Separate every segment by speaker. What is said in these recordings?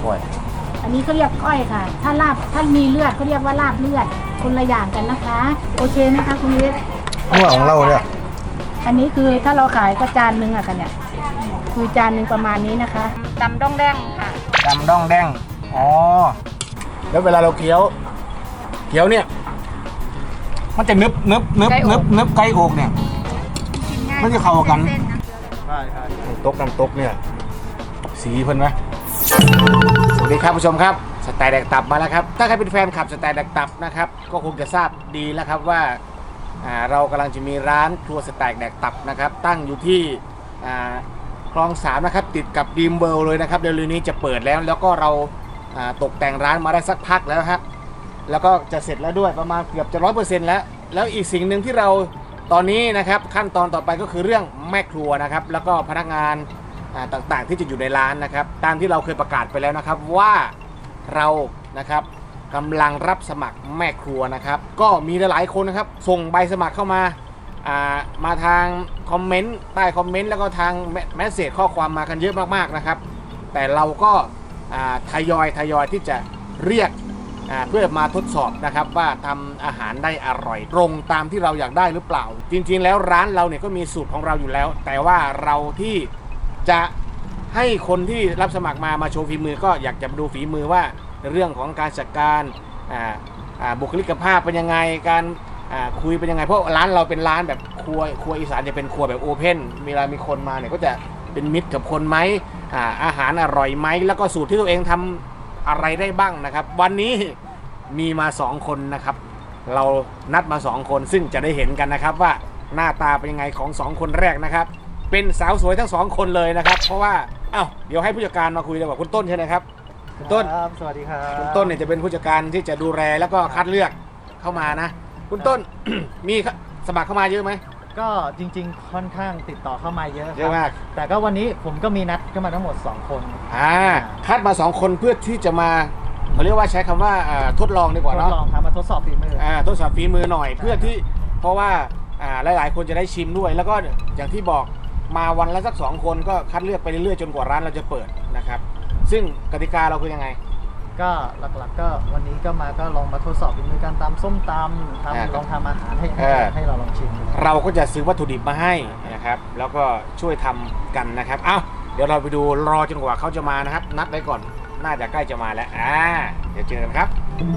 Speaker 1: ก้อย
Speaker 2: อันนี้เขาเรียกก้อยค่ะถ้าลาบถ้ามีเลือดเขาเรียกว่าลาบเลือดคนละอย่างกันนะคะโอเคนะคะคุณวิทย์
Speaker 1: หัวของเราเนี่ย
Speaker 2: อันนี้คือถ้าเราขายก็จานนึงอะค่ะเนี่ยคือจานนึงประมาณนี้นะคะตำด้องแดงค่ะ
Speaker 1: จำด้องแดงอ๋อแล้วเวลาเราเคี้ยวเนี่ยมันจะนึบไก่อกเนี่ยมันจะเข้ากันใช่น้ำตกเนี่ยสีเพิ่นไหมสวัสดีครับผู้ชมครับสไตล์แดกตับมาแล้วครับถ้าใครเป็นแฟนคลับสไตล์แดกตับนะครับก็คงจะทราบดีแล้วครับว่าเรากำลังจะมีร้านครัวสไตล์แดกตับนะครับตั้งอยู่ที่คลอง3นะครับติดกับดีมเบิลเลยนะครับเร็วๆนี้จะเปิดแล้วก็เราตกแต่งร้านมาได้สักพักแล้วครับแล้วก็จะเสร็จแล้วด้วยประมาณเกือบจะ 100% แล้วอีกสิ่งหนึ่งที่เราตอนนี้นะครับขั้นตอนต่อไปก็คือเรื่องแม่ครัวนะครับแล้วก็พนักงานต่างๆที่จะอยู่ในร้านนะครับตามที่เราเคยประกาศไปแล้วนะครับว่าเรานะครับกำลังรับสมัครแม่ครัวนะครับก็มีหลายๆคนนะครับส่งใบสมัครเข้ามาทางคอมเมนต์ใต้คอมเมนต์แล้วก็ทางแมสเสจข้อความมากันเยอะมากๆนะครับแต่เราก็ทยอยที่จะเรียกเพื่อมาทดสอบนะครับว่าทำอาหารได้อร่อยตรงตามที่เราอยากได้หรือเปล่าจริงๆแล้วร้านเราเนี่ยก็มีสูตรของเราอยู่แล้วแต่ว่าเราที่จะให้คนที่รับสมัครมาโชว์ฝีมือก็อยากจะดูฝีมือว่าเรื่องของการจัดการบุคลิกภาพเป็นยังไงการคุยเป็นยังไงเพราะร้านเราเป็นร้านแบบครัวอีสานจะเป็นครัวแบบโอเพนเวลามีคนมาเนี่ยก็จะเป็นมิตรกับคนไหมอาหารอร่อยไหมแล้วก็สูตรที่ตัวเองทำอะไรได้บ้างนะครับวันนี้มีมา2คนนะครับเรานัดมา2คนซึ่งจะได้เห็นกันนะครับว่าหน้าตาเป็นยังไงของ2คนแรกนะครับเป็นสาวสวยทั้ง2คนเลยนะครับเพราะว่าเดี๋ยวให้ผู้จัดการมาคุยดีกว่าคุณต้นใช่ไหมครับคุณต้น
Speaker 3: สวัสดีครับ
Speaker 1: คุณต้นเนี่ยจะเป็นผู้จัดการที่จะดูแลแล้วก็คัดเลือกเข้ามานะคุณต้น มีสมัครเข้ามาเยอะไหม
Speaker 3: ก็จริงๆค่อนข้างติดต่อเข้ามาเยอะ
Speaker 1: มาก
Speaker 3: แต่ก็วันนี้ผมก็มีนัดก็มาทั้งหมด2คน
Speaker 1: คัดมา2คนเพื่อที่จะมาเขาเรียกว่าใช้คำว่าทดลองดีกว่าเนาะ
Speaker 3: ทดลองครับมาทดสอบฝีมือ
Speaker 1: ทดสอบฝีมือหน่อยเพื่อที่เพราะว่าหลายๆคนจะได้ชิมด้วยแล้วก็อย่างที่บอกมาวันละสัก2คนก็คัดเลือกไปเรื่อยๆจนกว่าร้านเราจะเปิดนะครับซึ่งกติกาเราคือยังไง
Speaker 3: ก็หลักๆก็วันนี้ก็ลองมาทดสอบฝีมือการตำส้มตำลองทำอาหารให้เราลองชิม
Speaker 1: เราก็จะซื้อวัตถุดิบมาให้นะครับแล้วก็ช่วยทำกันนะครับเดี๋ยวเราไปดูรอจนกว่าเขาจะมานะครับนัดไว้ก่อนน่าจะใกล้จะมาแล้วเดี๋ยวเจอกันครับ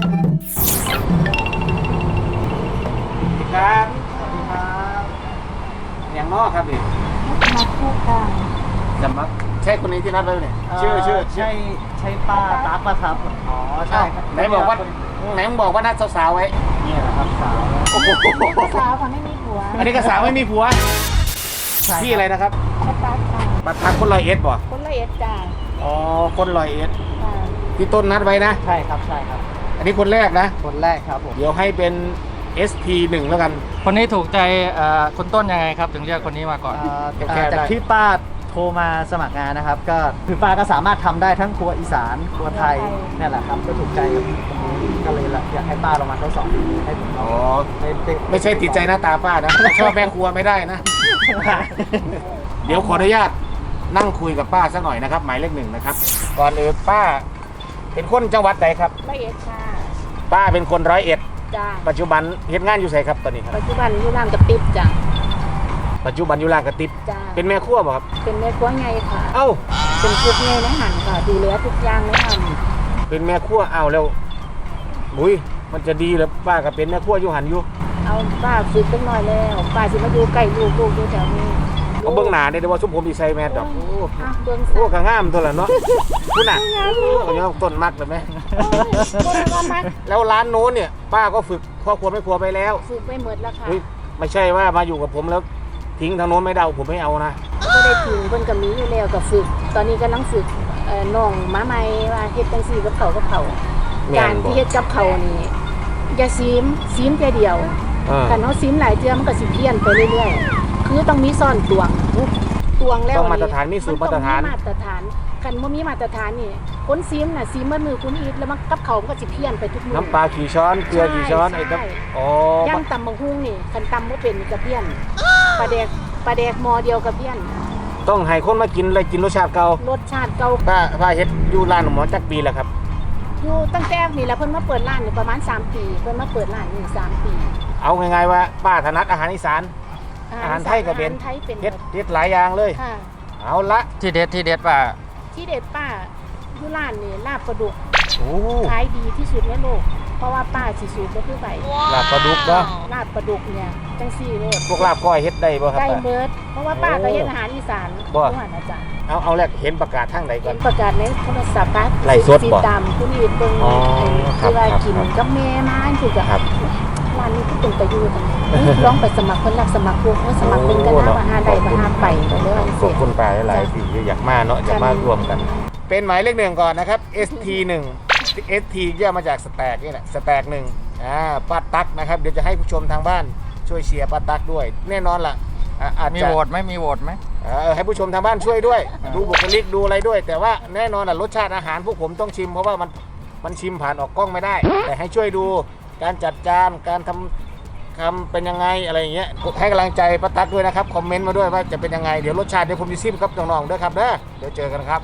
Speaker 1: สวัสดีครับอย่างนอกครับดิ
Speaker 2: มาพูดกัน
Speaker 1: จำมั้ยใช่คนนี้ที่นัดไว้เนี่ยชื่อ
Speaker 3: ใช่ป้าตั๊กป่ะครับ
Speaker 1: อ๋อใช่ไหนบอกว่านัดสาวๆไว้
Speaker 3: นี่แหละครับสาว
Speaker 1: โอ้โห
Speaker 2: สาวค่ะไม่มีผัว
Speaker 1: อันนี้ก็สาวไม่มีผัวพี่อะไรนะครับ
Speaker 2: ป้าตั๊กค่ะ
Speaker 1: ป้าตั๊กคน101ป่ะ
Speaker 2: คน101จ้า
Speaker 1: อ๋อคน101ที่ต้นนัดไว้นะ
Speaker 3: ใช่ครับ
Speaker 1: อันนี้คนแรกนะ
Speaker 3: คนแรกครับผม
Speaker 1: เดี๋ยวให้เป็น SP1 แล้วกัน
Speaker 3: คนนี้ถูกใจคนต้นยังไงครับถึงเรียกคนนี้มาก่อนจากที่ป้าโทรมาสมัครงานนะครับก็คือป้าก็สามารถทำได้ทั้งครัวอีสานครัวไทยนี่แหละครับก็ถูกใจกับคนนี้ก็เลยอยากให้ป้าลองมาทดสอบดูให้ผม
Speaker 1: ไม่ใช่ติดใจหน้าตาป้านะชอบแม่ครัวไม่ได้นะ เดี๋ยวขออนุญาตนั่งคุยกับป้าสักหน่อยนะครับหมายเลข 1นะครับก่อนอื่นป้าเป็นคนจังหวัดใดครับ
Speaker 2: 101ค่ะ
Speaker 1: ป้าเป็นคน101
Speaker 2: จ้า
Speaker 1: ปัจจุบันเฮ็ดงานอยู่ไสครับตอนนี้ครับ
Speaker 2: ปัจจุบันอยู่ร้านกระติบจ้า
Speaker 1: ปัจจุบันอยู่ร้านกระติบเป็นแม่ครัวบ่ครับ
Speaker 2: เป็นแม่ครัวไงค่ะเป็นคุกไงในหันค่ะดูแลทุกอย่างในหัน
Speaker 1: เป็นแม่ครัวแล้วมันจะดีเหรอป้าก็เป็นแม่ครัวอยู่หันอยู่
Speaker 2: ป้าฝึกตั้งน้อยแล้วป้าสิมาอยู่ใกล้ลูกอยู่แถวนี้
Speaker 1: เบิ่งหน้าได้ว่าชุมผมดีไซน์แมนดอกโอ้ก็งามตัวละเนาะคุณน่ะก็ยังต้นมักเลยไหมแล้วร้านโน้นเนี่ยป้าก็ฝึกพ่อครัวแม่ครัวไปแล้ว
Speaker 2: ฝึกไปหมดแล้วค่ะ
Speaker 1: ไม่ใช่ว่ามาอยู่กับผมแล้วทิ้งทางโน้นไม่ได้ผมไม่เอานะ
Speaker 2: ก็ได้ทิ้งเพิ่นก็มีอยู่แล้วก็ฝึกตอนนี้กำลังฝึกน้องมาใหม่ว่าเฮ็ดจังซี่กับเขาการที่เฮ็ดกับเขานี่อย่าซีมแค่เดียวคันเฮาซีมหลายเทื่อมันก็สิเพี้ยนไปเรื่อยๆคือต้องมีซ่อนตวงแล้ว
Speaker 1: ต้องมาตรฐานมีสูตรมาตรฐาน
Speaker 2: คันบ่มีมาตรฐานนี่คนซีมน่ะซีมมือคุณอีทแล้วมันกับเขาก็สิเพี้ยนไปทุกมื้อ
Speaker 1: น้ำปลากี่ช้อนเกลือกี่ช้อนไอ้ครับ
Speaker 2: ย่างตำบักหุ่งนี่คันตำบ่เป็นก็เพี้ยนปลาแดกหม้อเดียวก็เพี้ยน
Speaker 1: ตต้องให้คนมากินเลยกินรสชาติเก่าร
Speaker 2: สชาติเก่า
Speaker 1: ป้าเฮ็ดอยู่ร้านหมอจักปีแล้วครับ
Speaker 2: อยู่ตั้งแต่นี่แหละเพิ่นมาเปิดร้านอยู่ประมาณ3 ปีเพิ่นมาเปิดร้านนี่3 ปี
Speaker 1: เอาง่ายๆว่าป้าถนัดอาหารอีสานอาหารไทยก็เป็น
Speaker 2: อาหารไทยเป็น
Speaker 1: เฮ็ดหลายอย่างเลย
Speaker 2: ค่ะ
Speaker 1: เอาละ
Speaker 3: ที่เด็ดป่ะ
Speaker 2: ที่เด็ดป้าอยู่ร้านนี่ลาบปลาดุก
Speaker 1: โอ้
Speaker 2: ขายดีที่สุดในโลกเพราะว่าป้าสิสูตรก็คือไป
Speaker 1: ลาบปลาดุกเนาะ
Speaker 2: ลาบปลาดุกเนี่ยจังซี่โลด
Speaker 1: พวกลาบก้อยเฮ็ดได้บ่ครับ
Speaker 2: ได้
Speaker 1: ป้า
Speaker 2: เบิดเพราะว่าป้าก็เฮ็ดอาหารอีสาน
Speaker 1: บ่
Speaker 2: ทุกวันอาจารย์
Speaker 1: เอาแรกเห็นประกาศทางใดก่
Speaker 2: เห็
Speaker 1: อน
Speaker 2: นประกาศในโทรศัพท์ป้า
Speaker 1: ไลฟ์สดบ่
Speaker 2: ติดตามผู้นี้เบิ่ง
Speaker 1: อ๋อครับ
Speaker 2: คือว่า
Speaker 1: ครับ
Speaker 2: กินกับแม่มาคือกับ
Speaker 1: ครับ
Speaker 2: ร้านนี้คือเป็นประโยชน์ลองไปสมัครเพิ่นรับสมัครพวกสมัครเป็นกันนะว่าหาได้บ่หาไปก็เลยว่า
Speaker 1: ข
Speaker 2: เสร็
Speaker 1: อบ
Speaker 2: จ
Speaker 1: คุณป้าหลายๆที่อยากมาเนาะอยากมารวมกัน เป็นหมายเลขหนึ่งก่อนนะครับ ST1 ST ย่อมาจากสแต็กนี่แหละสแต็กหนึ่งป้าตั๊กนะครับเดี๋ยวจะให้ผู้ชมทางบ้านช่วยเชียร์ป้าตั๊กด้วย แน่นอนล่ะอาจ
Speaker 3: มี
Speaker 1: จะ
Speaker 3: โหวตไหมมีโหวตไหม
Speaker 1: ให้ผู้ชมทางบ้านช่วยด้วย ดูบุคลิกดูอะไรด้วย แต่ว่าแน่นอนล่ะรสชาติอาหารพวกผมต้องชิมเพราะว่ามันชิมผ่านออกกล้องไม่ได้ แต่ให้ช่วยดูการจัดจานการทำเป็นยังไงอะไรอย่างเงี้ยให้กำลังใจป้าตั๊กด้วยนะครับคอมเมนต์มาด้วยว่าจะเป็นยังไงเดี๋ยวรสชาติเดี๋ยวผมจะชิมครับน้องๆด้วยครับเด้อเดี๋ยวเจอกันครับ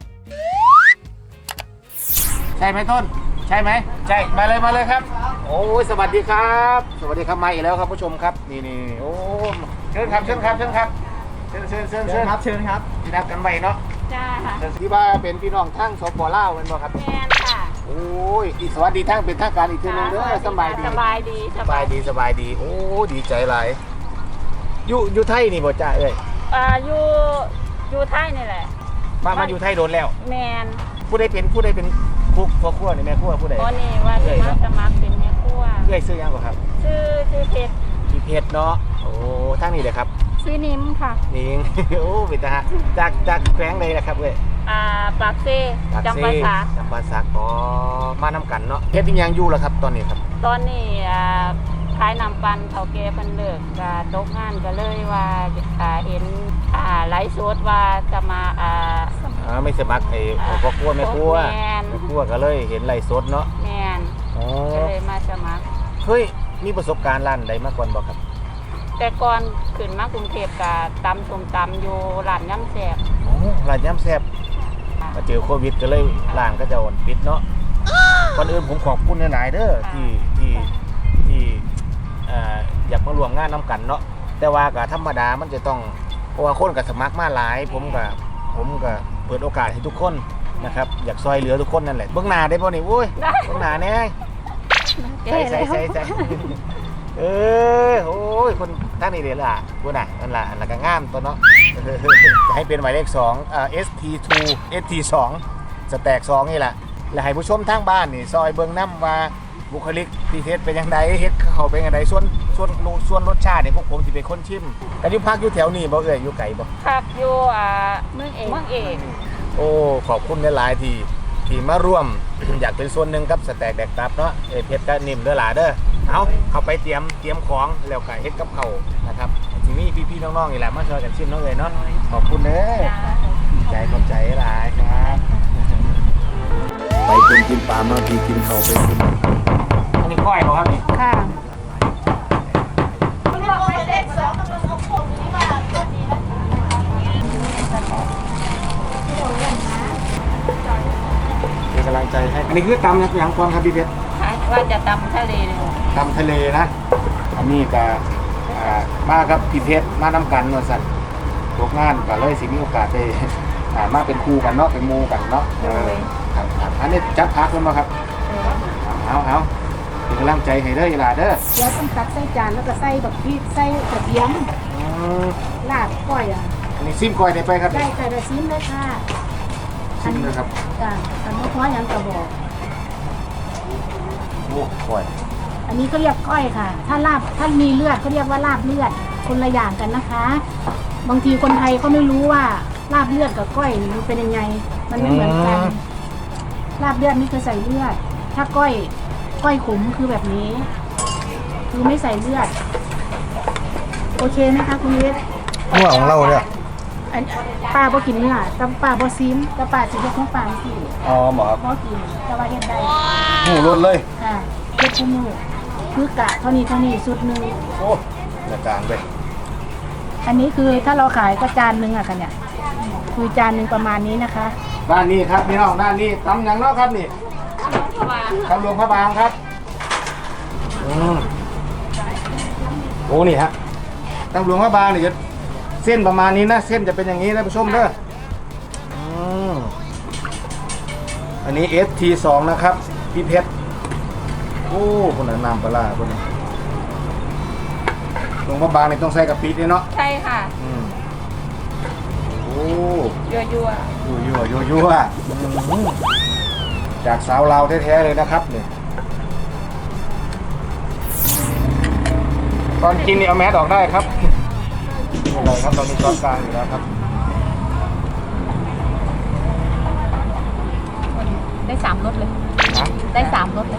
Speaker 1: ใช่ไหมต้นใช่ไหมใช่มาเลยครับโอ้ยสวัสดีครับสวัสดีครับมาอีกแล้วครับผู้ชมครับนี่โอ้เชิญครับเชิญครับเชิญครับเชิญ
Speaker 3: เชิญครับ
Speaker 1: ที่นัดกันไว้เนาะ
Speaker 2: จ้าค่ะ
Speaker 1: ที่ว่าเป็นพี่น้องทั้งสปลาวเป็นบ่ครับ
Speaker 2: แม่นค่ะ
Speaker 1: โอ้ยอีกสวัสดีทั้งเป็นทางการอีกทีนึงเด้อสบายดี
Speaker 2: สบายดี
Speaker 1: สบายดีโอ้ดีใจหลายอยู่ไทยนี่บ่จ้าเอ้ย
Speaker 2: อยู่ไทยนี่แหละ
Speaker 1: มาอยู่ไทยโดนแล้ว
Speaker 2: แมน
Speaker 1: ผู้ใดเป็นคุกพ่อครัวนี่แม่ครัวผู้ใด
Speaker 2: ตอนนี้ว่าจะมาสมัครเป็นแม่ครัว
Speaker 1: เอ้ยซื้อยังบ่ครับ
Speaker 2: ชื่อเพชร
Speaker 1: พี่เพชรเนาะโอ้ทางนี้เลยครับ
Speaker 2: ชื่อนิ้มค่ะ
Speaker 1: นี่ โอ้เป็นทหารจากแขวงใดนะครับเว้ย
Speaker 2: ปากเซ
Speaker 1: ปาก
Speaker 2: จำ
Speaker 1: เซ่
Speaker 2: ปาสา
Speaker 1: จำปาสักอ๋อมาน้ำกันเนาะเฮ็ดอีหยังอยู่ล่ะครับตอนนี้ครับ
Speaker 2: ตอนนี้ขายน้ำปันเฒ่าแก่เพิ่นเลิกก็ตกงานก็เลยว่าเห็นไลฟ์สดว่าจะมา
Speaker 1: ไม่สมัครไอ้พ่อครัวแม่ครัว
Speaker 2: แม่น
Speaker 1: แม่ครัวก็เลยเห็นไลฟ์สดเนาะ
Speaker 2: แมน
Speaker 1: อ๋อ
Speaker 2: ก็เลยมาสมัคร
Speaker 1: เฮ้ยมีประสบการณ์ร้านใดมาก่อนบ่ครับ
Speaker 2: แต่ก่อนขึ้นมากรุงเทพก็ตำส้มตำอยู่ร้านย่ำแซ่บ
Speaker 1: อ๋อร้านยำแซ่บมาเจอโควิดก็เลยร้านก็จะปิดเนาะก่อนอื่นผมขอบคุณหลายๆเด้อที่อยากมารวมงานน้ำกันเนาะแต่ว่าก็ธรรมดามันจะต้องเพราะว่าคนกับสมัครมาหลายผมก็เปิดโอกาสให้ทุกคนนะครับอยากซอยเหลือทุกคนนั่นแหละเบื้องหน้าได้ป่ะนี่โอ้ยเบื้องหน้าแน่ใส่โอ้ยคนท่านนี่เดี๋ยวล่ะพูดน่ะนั่นล่ะอันละก็งามตัวเนาะจะให้เป็นหมายเลข2 ST2 ST2 สแต็ก2นี่แหละแล้วให้ผู้ชมทางบ้านนี่ซอยเบิ่งน้ำว่าบุคลิกที่เฮ็ดเป็นยังไงเฮ็ดเขาเป็นยังไงส่วนรสชาติเนี่ยพวกผมสิเป็นคนชิมแต่อยู่พักอยู่แถวนี้บ่เอ่ยอยู่ไกลบ่
Speaker 2: ครับอยู่เมืองเอก
Speaker 1: โอ้ขอบคุณหลายๆที่มาร่วม อยากเป็นส่วนหนึ่งกับสแต็กแดกตับเนาะเพชรก็นิ่มเด้อหล่ะเด้อเอาเข้าไปเตรียมของแล้วก็เฮ็ดกับเขาวนะครับทีนี้พี่ๆน้องๆนี่แหละมาช่วยกันชิมเนาะเอ่ยเนาะขอบคุณเด้อขอบใจหลายครับ
Speaker 4: ไปคนกินปลามาพี่กินเขาไปกิน
Speaker 1: อันนี้ก้อยเหรอครับนี่
Speaker 2: ค่ะ
Speaker 1: เป็นกำลังใจให้อันนี้คือตำอย่างก่อนครับพี่เพชร
Speaker 2: ว่าจะตำทะเลเลย
Speaker 1: ตำทะเลนะอันนี้ก็มากับพี่เพชรมาน้ำกันว่าสั่นตกงานก็เลยสิมีโอกาสได้ มาเป็นคู่กันเนาะเป็นหมู่กันเนาะครับอันนี้จัดพักแล้วมาครับเอาเป็นกำลังใจให้เด้อหลาเด้อ
Speaker 2: เดี๋ยวต้องตักใส่จานแล้วก็ใส่แบบพริกใส่กระเทียมลาบก้อยอ่ะ
Speaker 1: อันนี้ซิมก้อยได้ไปครับ
Speaker 2: ได้แต่ละชิ้นเลยค่ะ
Speaker 1: ซิมนะครับ
Speaker 2: จ้ะอันนี้เพราะอย่างกระบอก
Speaker 1: โอ้ก้อย
Speaker 2: อันนี้เขาเรียกก้อยค่ะ ถ้ามีเลือดเขาเรียกว่าลาบเลือดคนละอย่างกันนะคะ บางทีคนไทยเขาไม่รู้ว่าลาบเลือดกับก้อยมันเป็นยังไง มันไม่เหมือนกัน ลาบเลือดนี่คือใส่เลือด ถ้าก้อยขมคือแบบนี้ คือไม่ใส่เลือด โอเคไหมคะคุณวิทย์
Speaker 4: หัวของเราเนี่ย
Speaker 2: อันป้าบ่กินเนื้อแต่ป้าบ่ซิมแต่ป้าสิเฮ็ดของป้าสิ
Speaker 4: อ๋อหมอครับ
Speaker 2: บ่กินแต่ว่าเฮ็ดได้
Speaker 4: หูรถเลย
Speaker 2: ค่ะเฮ็ดคู่มือคือกะเท่านี้สุดหนึง
Speaker 4: โอ้กระจางไป
Speaker 2: อันนี้คือถ้าเราขายก็จานนึงอ่ะค่ะเนี่ยคือจานหนึ่งประมาณนี้นะคะ
Speaker 1: ด้านนี้ครับพี่น้องด้านนี้ตำอย่างเนาะครับนี่ตำหลวงพระบางครับโอ้นี่ฮะตำหลวงพระบางนี่จะเส้นประมาณนี้นะเส้นจะเป็นอย่างนี้นะผู้ชมเด้ออันนี้ ST2 นะครับพี่เพชรโอ้คนนั้นนำปลาคนนี้หลวงพระบางนี่ต้องใส่กะปิด้วยเนาะ
Speaker 2: ใช่ค่ะ
Speaker 1: โอ้
Speaker 2: ยั่ว
Speaker 1: ยั่วจากสาวลาวแท้ๆเลยนะครับเนี่ยตอนกินนี่เอาแมสออกได้ครับไม่เป็นไรครับเรามีช้อนกลางอยู่แล้วครับ
Speaker 2: ได้3รสเลย
Speaker 1: นะ
Speaker 2: ได้3รสเลย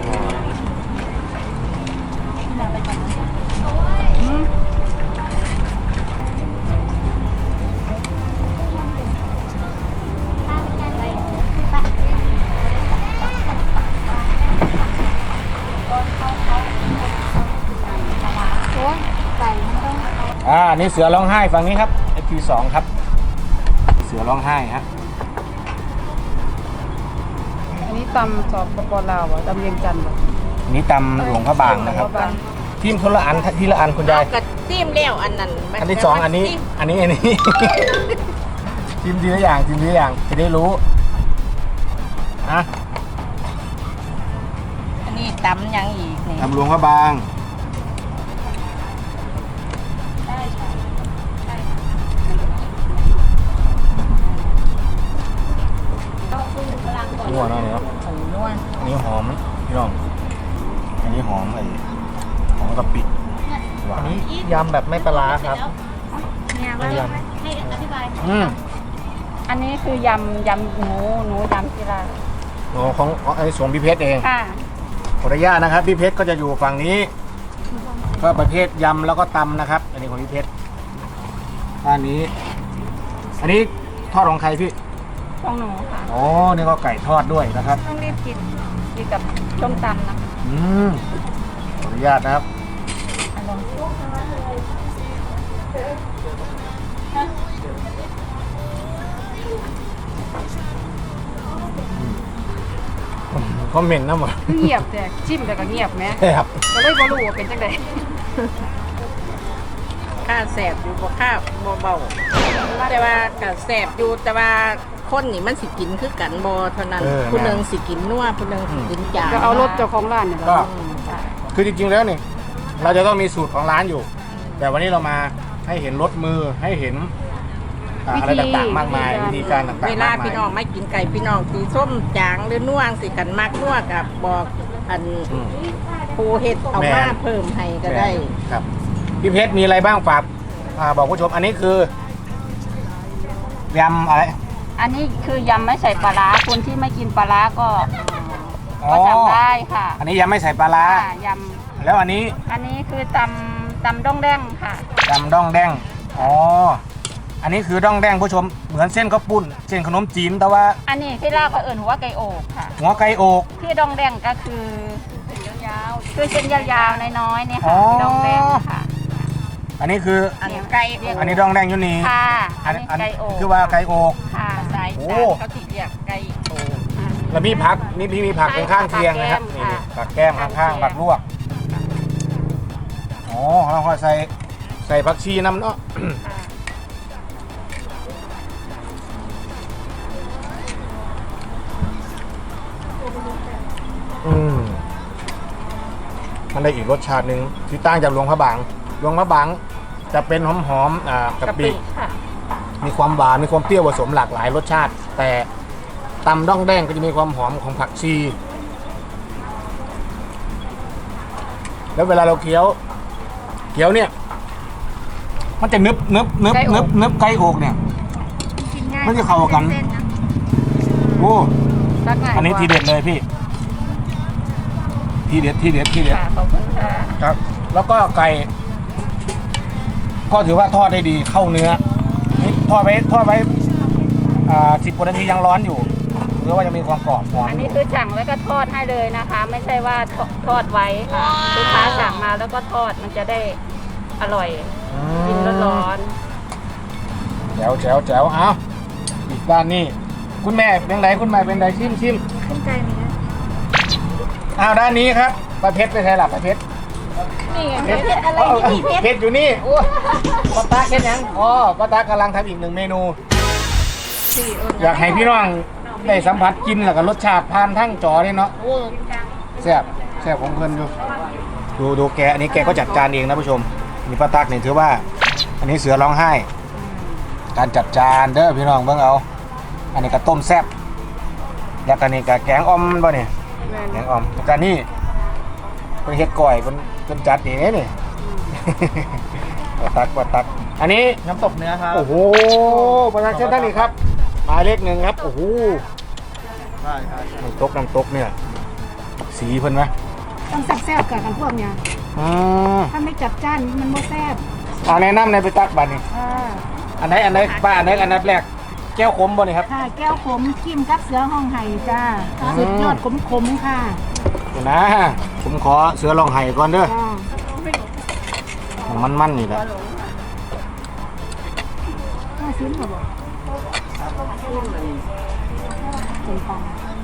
Speaker 1: อันนี้เสือร้องไห้ฝั่งนี้ครับ FP2 ครับเสือร้องไห้ฮะ
Speaker 2: อันนี้ตำสอบปลาวตำเวียงจันทร์
Speaker 1: อันนี้ตำหลวงพระบางนะครับทีมคนละอันทีละอันคุณยาย
Speaker 5: กระจิ้มแล้วอันนั้น
Speaker 1: อันที่สองอันนี้ทีมทีละอย่างจะได้รู้นะ
Speaker 5: อันนี้ตำยังอีกนี่
Speaker 1: ตำหลวงพระบางนัวเนาะเนี่ย
Speaker 5: หมูนวล
Speaker 1: อันนี้หอมพี่น้องอันนี้หอมหอมกะปิหวาน
Speaker 3: ยำแบบไม่ปลาร้าครับ
Speaker 2: เนี่ยว่าให้อธิบาย อันนี้คือยำหนูยำกีฬา
Speaker 1: อ๋อของไอ้สวนพี่เพชรเอง
Speaker 2: ค่ะ
Speaker 1: ขออนุญาตนะครับพี่เพชรก็จะอยู่ฝั่งนี้ก็ประเภทยำแล้วก็ตำนะครับ อันนี้ของพี่เพชรด้านนี้ อันนี้ทอดของใครพี่
Speaker 2: ของหนูค่ะ
Speaker 1: อ๋อนี่ก็ไก่ทอดด้วยนะครับ
Speaker 2: ต้องรีบกินกับส้มตำนะคะ
Speaker 1: ขออนุญาตนะครับ
Speaker 2: อร่อย
Speaker 1: คอมเมนต์นะหมด
Speaker 2: เงียบแต่ชิมแต่ก็เงียบไหม
Speaker 1: ครับ
Speaker 2: ก็เลยบ่รู้ว่าเป็นจังได
Speaker 5: ข้าแสบอยู่บ่ข้าบ่เบาแต่ว่ากะแสบอยู่แต่ว่าคนนี่มันสิกินคือกันบ่เท่านั้นผู้หนึงสิกินนัวผู้หนึงสิกินจาง
Speaker 2: ก็เอารถเจ้าของร้านเนี่ย
Speaker 1: ก็คือจริงๆแล้วนี่เราจะต้องมีสูตรของร้านอยู่ แต่วันนี้เรามาให้เห็นรสมือให้เห็นอะไรต่างๆมากมายวิธีการต่างๆ
Speaker 5: เวลาม
Speaker 1: ากมา
Speaker 5: พี่
Speaker 1: ย
Speaker 5: น้องไม่กินไก่พี่น้องสีส้มจางหรือนัวสิกันมักนัวกับบอกอันปูเห็ดเอามาเพิ่มให้ก็ได้
Speaker 1: ครับพี่เพชรมีอะไรบ้างฝากบอกผู้ชมอันนี้คือยำอะไร
Speaker 2: อันนี้คือยำไม่ใส่ปลาร้าคนที่ไม่กินปลาร้าก็
Speaker 1: อ๋อ
Speaker 2: สั่งได้ค่ะ
Speaker 1: อันนี้ยำไม่ใส่ปลาร้า
Speaker 2: ค่ะย
Speaker 1: แล้วอันนี้
Speaker 2: ำอันนี้คือตำด้องแดงค่ะ
Speaker 1: ยำด้องแดงอ๋ออันนี้คือด้องแดงผู้ชมเหมือนเส้นข้าวปุ้นเส้นขนมจีนแต่ว่า
Speaker 2: อันนี้ที่ลาวเขาเอิ่นหัวไก่โอกค่ะ
Speaker 1: หัวไก่อก
Speaker 2: ที่ดองแดงก็คือเส้นยาวๆคือเส้นยาวๆน้อยๆเนี่ย
Speaker 1: อ๋
Speaker 2: ค่ะ
Speaker 1: อ
Speaker 2: ดองแดงค่ะ
Speaker 1: อันนี้คือ
Speaker 5: อันไก่
Speaker 1: อันนี้ด้องแดงอยู่นี่
Speaker 2: ค่ะอันนี้ไก่โอก
Speaker 1: คือว่าไก่อก
Speaker 2: ค่ะ
Speaker 5: สาย
Speaker 1: โอ้
Speaker 5: จานเขาสิเรียกไก่โต
Speaker 1: แล้วมีผักนี่พี่มีผักเป็นข้างเคียงนะครับนี่ผักแก้มข้างๆผักลวกอ๋อเราก็ใส่ผักชีน้ำเนาะ มันได้อีกรสชาติหนึ่งที่ต่างจากหลวงพระบางหลวงพระบางจะเป็นหอมๆกะปิ
Speaker 2: ค่ะ
Speaker 1: มีความหวานมีความเปรี้ยวผสมหลากหลายรสชาติ แต่ตำด้องแดงก็จะมีความหอมของผักชี แล้วเวลาเราเคี้ยวเนี่ย มันจะนึบไก่อกเนี่ย มันจะเข้ากัน โอ้ อันนี้ทีเด็ดเลยพี่ ทีเด็ด
Speaker 2: ค่ะขอบคุณค่ะ
Speaker 1: ครับ แล้วก็ไก่ก็ถือว่าทอดได้ดีเข้าเนื้อนี่ทอดไว้10 กว่านาทียังร้อนอยู่หรือว่าจะมีความกรอบหอม
Speaker 2: อันนี้คือสั่งแล้วก็ทอดให้เลยนะคะ ไม่ใช่ว่าทอดไว้ค่ะลูกค้าสั่งมาแล้วก็ทอดมันจะได้อร่อยกินร้อน
Speaker 1: โอ้จ๋วเอาอีกด้านนี้คุณแม่เป็นไรคุณแม่เป็นไรชิม
Speaker 2: ขึ้นใจไหมนะ
Speaker 1: เอาด้านนี้ครับปลาเพชรไปใช่หรอปลาเพชร
Speaker 2: นี่ไงเพชรอะไรนี่เพชร
Speaker 1: เพชรอยู่นี่โอ้ป้าตาเพชรยังอ๋อป้าตากำลังทำอีกหนึ่งเมนู อยากให้พี่น้องได้สัมผัสกินแล้วก็รสชาติผ่านทั้งจอนี่เนาะโอ้แซ่บของเพิ่นดูแกอันนี้แกก็จัดจานเองนะผู้ชมนี่ป้าตักนี่ถือว่า อันนี้เสือร้องไห้ การจัดจานเด้อพี่น้องเบิ่งเอาอันนี้ก็ต้มแซ่บแล้วก็นี่ก็แกงอ่อมบ่เนี่ยแกงอ่อมแล้วก็นี่เป็นเฮ็ดก้อยเป็นจัดนี่นี่ ป้าตักอันนี้
Speaker 3: น้ำตกเนื้อครับ
Speaker 1: โอ้โหประชาชนท่านนี้ครับหมายเลข 1ครับโอ้โห
Speaker 3: ใช่ครับ
Speaker 1: น้ำตกเนี่ยสีเพิ่นไหม
Speaker 2: ต้องแซ่บๆกับกันพวกเนี้ย
Speaker 1: อืม
Speaker 2: ถ้าไม่จัดจ้านมันไม่แซ่บ
Speaker 1: เอาแนะนำในไปตักบัตรนี่
Speaker 2: ค่ะ
Speaker 1: อันไหนป้าอันไหนแรกแก้วขมบ่นี่ครับ
Speaker 2: ค่ะแก้วขมกิมกับเสือห้องไห่จ้าสุดยอดขมๆค่ะ
Speaker 1: เดี๋ยวนะผมขอเสือลองไห้ก่อนเด้อ
Speaker 2: จ้า
Speaker 1: มันนี่แหละ
Speaker 2: ห้าชิ้นค่ะบอกเป็นปัง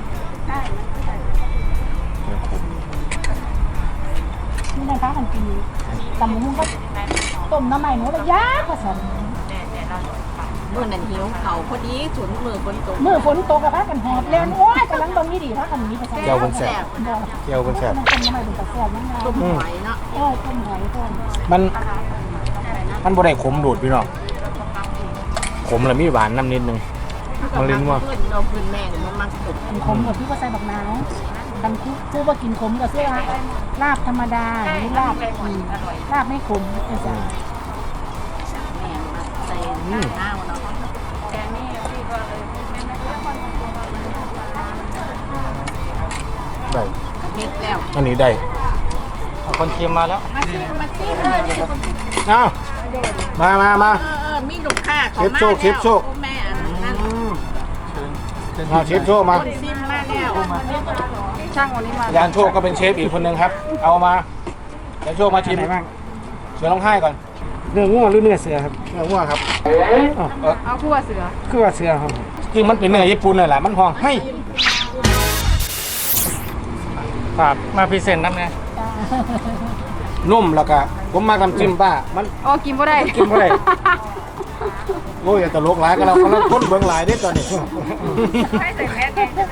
Speaker 2: นี่นะคะมันกินตำมุ้งก็ต้มน้ำใหม่หนูเลยยากกว่าสัน
Speaker 5: มื้อนั้นหิวเขาพอดีฉุนมือฝนตก
Speaker 2: เมื่อฝนตกกับพากันหอบเล่นโอ้ยกำลังตรงนี้ดีพากันนี้ไปใช่
Speaker 1: แก้วเพิ่นแซ่บ
Speaker 2: บอก
Speaker 1: แก้วเพิ่นแซ่บ
Speaker 2: มันเป็นน้ำใหม่เป็นตะแซ่บนั่นไง
Speaker 5: ต้มหอยเนาะ
Speaker 2: โอ้ยต้มหอยต้ม
Speaker 1: มันบ่ได้ขมโดดพี่น้องขมแล้วมีหวานน้ำนิดนึงมันลิ้นว่า
Speaker 5: เพิ่นเราเพิ่นแม่งมันมักสุด
Speaker 2: ขมกับพี่ก็ใส่บักนาวกันคู่ว่ากินขมกับเสื้อลาบธรรมดาหรือลาบลาบไม่ขมไอ้จ้า
Speaker 5: แม่มาใส่หน้าเนาะ
Speaker 1: ได้
Speaker 5: เฮ็ดแล้ว
Speaker 1: อันนี้ได้
Speaker 3: คนเคียมมาแล้ว
Speaker 5: มาซิ
Speaker 1: เ
Speaker 5: เออ
Speaker 1: อามา
Speaker 5: มีลูกค้าเขา
Speaker 1: เชฟโชค
Speaker 5: แม่อันนั้น
Speaker 1: เอาเชฟโชคมา
Speaker 5: คนซิมมาแล้ว
Speaker 2: ช่างวันนี้มาย
Speaker 1: านโชคก็เป็นเชฟอีกคนนึงครับ เอามาเดี๋ยวโชคมาชิมเสือร้องไห้ก่อน
Speaker 6: เนื้อง่วหรือเนื้อเสือครับ
Speaker 1: เนื้อวัวครับ
Speaker 2: เอาคู่เสือ
Speaker 6: คือว่าเสือครับ
Speaker 1: จริงมันเป็นเนื้อญี่ปุ่นเลยแหละมันพองให้
Speaker 3: ฝากมาพรีเซนต์น้ำไง
Speaker 1: นุ่มแล้วก็ผมมาทำจิ้มป้ามัน
Speaker 2: โอ้กินบ่ได้
Speaker 1: กินบ่ได้ โอ้ยอย่าตลกหลายก็เราคนเบิ่งหลายได้ตอนนี้
Speaker 2: ให้ใส่แมสใช่ไหม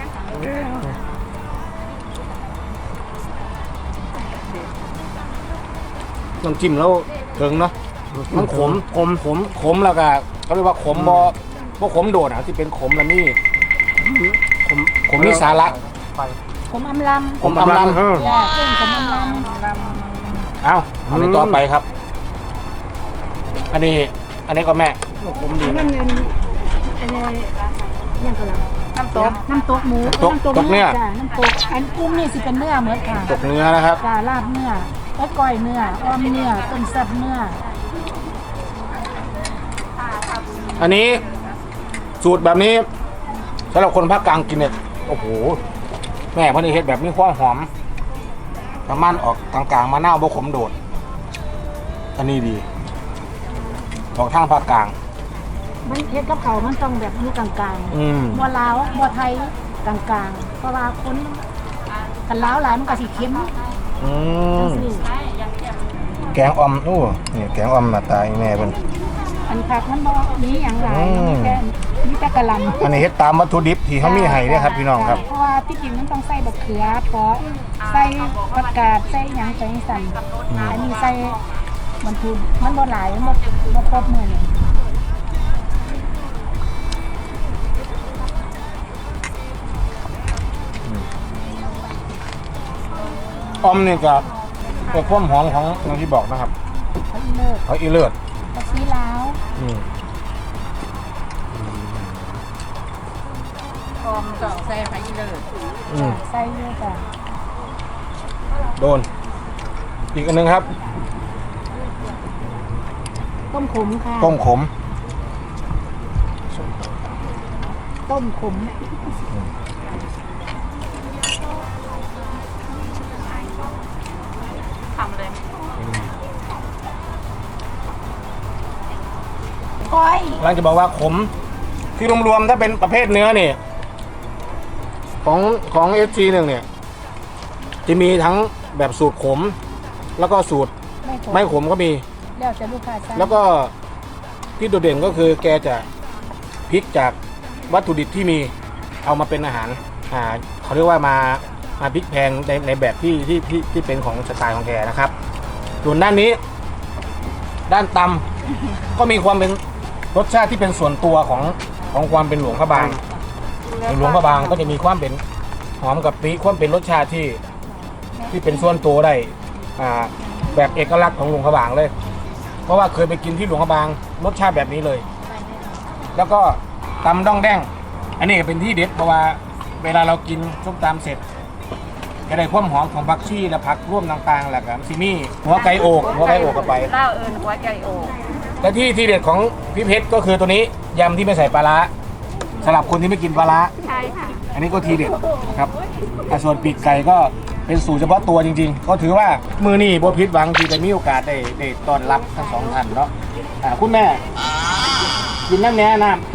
Speaker 1: น้ำจิ้มแล้วถึงเนาะมันขมแล้วก็เขาเรียกว่าขมบ่ขมโดดอ่ะที่เป็นขมแล้วนี่ขมนี่สาระ
Speaker 2: ผมอำลำ
Speaker 1: ขมอำลำ
Speaker 2: จ้าเพื่อนผมอำลำ
Speaker 1: เอาอันนี้ต่อไปครับ อันนี้ก็แม่ผมดี
Speaker 2: นั่นเงินอันนี้ยังกำลังน้ำตกหมู
Speaker 1: ตกเนื้อ
Speaker 2: จ้าน้ำตกอันกุ้งนี่สิเป็นเนื้อเหมือนค่ะ
Speaker 1: ตกเนื้อนะครับ
Speaker 2: จ้าลาบเนื้อแล้วก้อยเนื้ออ้อมเนื้อต้มแซ่บเนื้อ
Speaker 1: อันนี้สูตรแบบนี้สำหรับคนภาคกลางกินเนี่ยโอ้โหแม่พอนี่เฮ็ดแบบนี้ความหอมประมาณออกกลางๆมะนาวบ่ขมโดด อันนี้ดีออกทางภาคกลาง
Speaker 2: มันเฮ็ดกับเขาวมันต้องแบบอยู่กลาง
Speaker 1: อืม
Speaker 2: ๆบัวลาวบัวไทยกลางๆเพราะว่าคนกันลาวหลายมันก็สิเค็ม
Speaker 1: อืม
Speaker 2: จังซี่
Speaker 1: แกงอ่อมโอ้นี่แกงอ่อมหน้าตาแม่เพิ่น
Speaker 2: อันผักมันบ่มีหยังหลาย
Speaker 1: อืม
Speaker 2: มีแต่กะหล่ำ
Speaker 1: อันนี้เฮ็ดตามวัตถุดิบที่เขามีให้เด้อครับพี่น้องครับ
Speaker 2: เพราะว่าที่จริงมันต้องใส่บักเขือเพราะใส่ผักกาดใส่หยังใส่สั่นอันนี้ใส่มันคือมันบ่หลายมันบ่ครบมื้อนี่
Speaker 1: อ่อมนี่ก็เป็นความหอมของอย่างที่บอกนะครับ
Speaker 2: เขาอีเลิศ
Speaker 1: เขาอีเลิศ
Speaker 2: ผักชีลาว
Speaker 1: อืม
Speaker 5: พร้อมก็ใส่ไผเลย
Speaker 1: อืม
Speaker 2: ใส่เยอะจ้ะ
Speaker 1: โดน อีกอันนึงครับ
Speaker 2: ต้มขมค่ะ
Speaker 1: ต้มขม
Speaker 2: ต้มขมโอ้ก้อย
Speaker 1: กำลังจะบอกว่าขมคือรวมๆถ้าเป็นประเภทเนื้อเนี่ยของSG1เนี่ยจะมีทั้งแบบสูตรขมแล้วก็สูตรไม่ขมก็มี
Speaker 2: แล้วจะลูกค้าสั่ง
Speaker 1: แล้วก็ที่โดดเด่นก็คือแกจะพลิกจากวัตถุดิบที่มีเอามาเป็นอาหารเขาเรียกว่ามาพลิกแพงในแบบที่เป็นของสไตล์ของแกนะครับส่วนด้านนี้ด้านตำก็มีความเป็นรสชาติที่เป็นส่วนตัวของความเป็นหลวงพระบางหลวงพระบางก็จะมีความเป็นหอมกับปีความเป็นรสชาติที่เป็นส่วนตัวได้แบบเอกลักษณ์ของหลวงพระบางเลยเพราะว่าเคยไปกินที่หลวงพระบางรสชาติแบบนี้เลย แล้วก็ตำด้องแดงอันนี้เป็นที่เด็ดเพราะว่าเวลาเรากินส้มตำเสร็จจะได้ความหอมของผักชีและผักร่วมต่างๆแหละครับซิมี่หัวไก่โอกเข้าไป
Speaker 5: เล่าเอิญหัวไก่โอก
Speaker 1: และที่เด็ดของพี่เพชรก็คือตัวนี้ยำที่ไม่ใส่ปลาร้าสำหรับคนที่ไม่กินปลาร้า
Speaker 5: ใช่ค่ะ
Speaker 1: อันนี้ก็ทีเด็ดครับส่วนปีกไก่ก็เป็นสูตรเฉพาะตัวจริงๆก็ถือว่ามือนี่โบพิษหวังที่จะมีโอกาสได้ต้อนรับทั้งสองท่านเนาะคุณแม่กินน้ำแน่น้ำ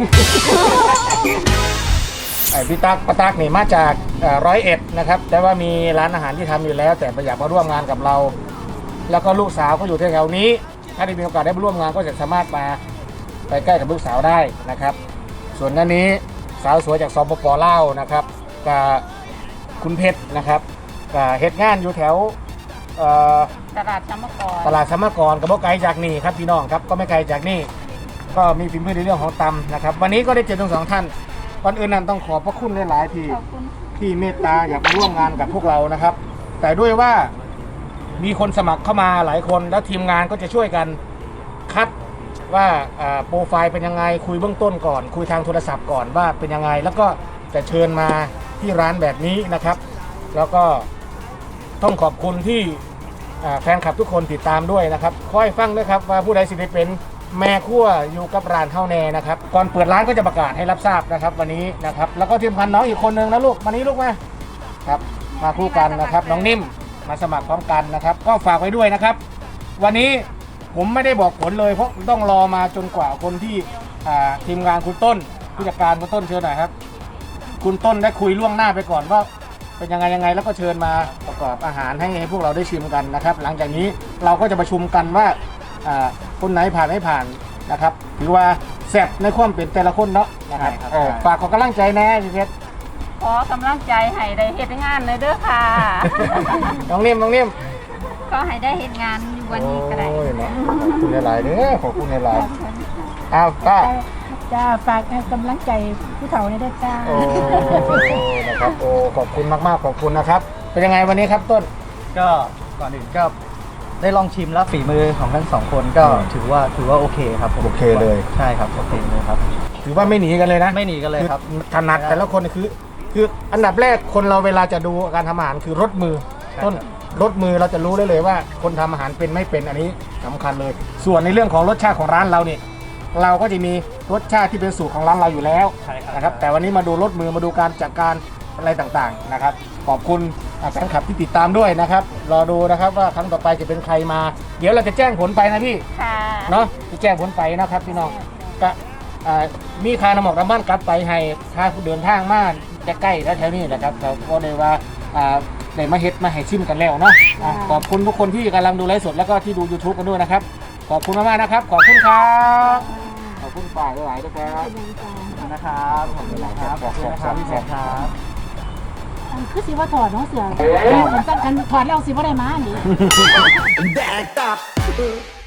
Speaker 1: พี่ตั๊กป้าตั๊กนี่มาจาก101นะครับแต่ว่ามีร้านอาหารที่ทำอยู่แล้ว แต่อยากมาร่วมงานกับเรา แล้วก็ลูกสาวก็อยู่แถวๆนี้ถ้าได้มีโอกาสได้มาร่วมงานก็จะสามารถมาไปใกล้กับลูกสาวได้นะครับส่วนด้านนี้สาวสวยจากสปป.ลาวนะครับกับคุณเพชรนะครับเฮ็ดงานอยู่แถว
Speaker 5: ตลาดสมกร
Speaker 1: ตลาดสมกรกับบ่ไกลจากนี่ครับพี่น้องครับก็ไม่ไกลจากนี่ก็มีฝีมือในเรื่องของตำนะครับวันนี้ก็ได้เจอทั้งสองท่านก่อนอื่นนั้นต้องขอบพระคุณหลายๆที่เมตตาอยากมาร่วมงานกับพวกเรานะครับแต่ด้วยว่ามีคนสมัครเข้ามาหลายคนแล้วทีมงานก็จะช่วยกันคัดว่าโปรไฟล์เป็นยังไงคุยเบื้องต้นก่อนคุยทางโทรศัพท์ก่อนว่าเป็นยังไงแล้วก็จะเชิญมาที่ร้านแบบนี้นะครับแล้วก็ต้องขอบคุณที่แฟนคลับทุกคนติดตามด้วยนะครับคอยฟังด้วยครับว่าผู้ใดสิได้เป็นแม่ครัวอยู่กับร้านเท่าแน่นะครับก่อนเปิดร้านก็จะประกาศให้รับทราบนะครับวันนี้นะครับแล้วก็ทีมพันน้องอีกคนนึงนะลูกมานี้ลูกมาครับมาคู่กันนะครับน้องนิ่มมาสมัครพร้อมกันนะครับก็ฝากไว้ด้วยนะครับวันนี้ผมไม่ได้บอกผลเลยเพราะต้องรอมาจนกว่าคนที่ทีมงานคุณต้นผู้จัดการคุณต้นเชิญหน่อยครับคุณต้นได้คุยล่วงหน้าไปก่อนว่าเป็นยังไงแล้วก็เชิญมาประกอบอาหารให้พวกเราได้ชิมกันนะครับหลังจากนี้เราก็จะประชุมกันว่าคนไหนผ่านไม่ผ่านนะครับถือว่าแซ่บในความเป็นแต่ละคนเนาะนะครับฝากขอกำลังใจแน่พี่เพชร
Speaker 5: ขอกำลังใจให้ได้เฮ็ดงานเลยเด้อค่ะ
Speaker 1: น้องนิ่ม
Speaker 5: ก็ให้ได้เฮ็ดงานอยู่วันนี้ก็ได้
Speaker 1: โอ้ยเนาะขอบคุณหลายๆเด้อขอบคุณหลายๆอ้าวป้า
Speaker 2: จ้าฝากกำลังใจผู้เฒ่าในด้วยจ้า
Speaker 1: โอ้นะครับโอ้ขอบคุณมากๆขอบคุณนะครับเป็นยังไงวันนี้ครับต้น
Speaker 3: ก็ก่อนอื่นก็ได้ลองชิมแล้วฝีมือของทั้งสองคนก็ถือว่าโอเคครับผม
Speaker 1: โอเคเลย
Speaker 3: ใช่ครับโอเคเลยครับ
Speaker 1: ถือว่าไม่หนีกันเลยนะ
Speaker 3: ไม่หนีกันเลยครับ
Speaker 1: อถนัดแต่ละคนคืออันดับแรกคนเราเวลาจะดูการทำอาหารคือรสมือต้นรสมือเราจะรู้ได้เลยว่าคนทำอาหารเป็นไม่เป็นอันนี้สำคัญเลย ส่วนในเรื่องของรสชาติของร้านเราเนี่ยเราก็จะมีรสชาติที่เป็นสูตรของร้านเราอยู่แล้ว
Speaker 3: ใช่ครับ
Speaker 1: นะครับแต่วันนี้มาดูรสมือมาดูการจัดการอะไรต่างๆนะครับขอบคุณแฟนคลับที่ติดตามด้วยนะครับรอดูนะครับว่าครั้งต่อไปจะเป็นใครมา เดี๋ยวเราจะแจ้งผลไปนะพี่
Speaker 5: ค่ะ
Speaker 1: เนาะจะแจ้งผลไปนะครับพี่น้องก็มีค่าน้ำหมอกน้ำบ้านกลับไปให้ค่าเดินทางมาจะใกล้แถวๆนี้นะครับเราก็เลยว่าได้มาเฮ็ดมาให้ชิมกันแล้วเนาะขอบคุณทุกคนที่กำลังดูไลฟ์สดแล้วก็ที่ดู YouTube กันด้วยนะครับขอบคุณมากๆนะครับขอบคุณครับขอบคุณฝ่ายหลายๆด้วยครับ
Speaker 3: นะครับขอบคุณนะครับขอบคุณนะครับพี่แสบครับ
Speaker 2: คือสิว่าถอดเนาะเสือมันสั่นกันถอดแล้วสิว่าได้มานี่
Speaker 4: Backed up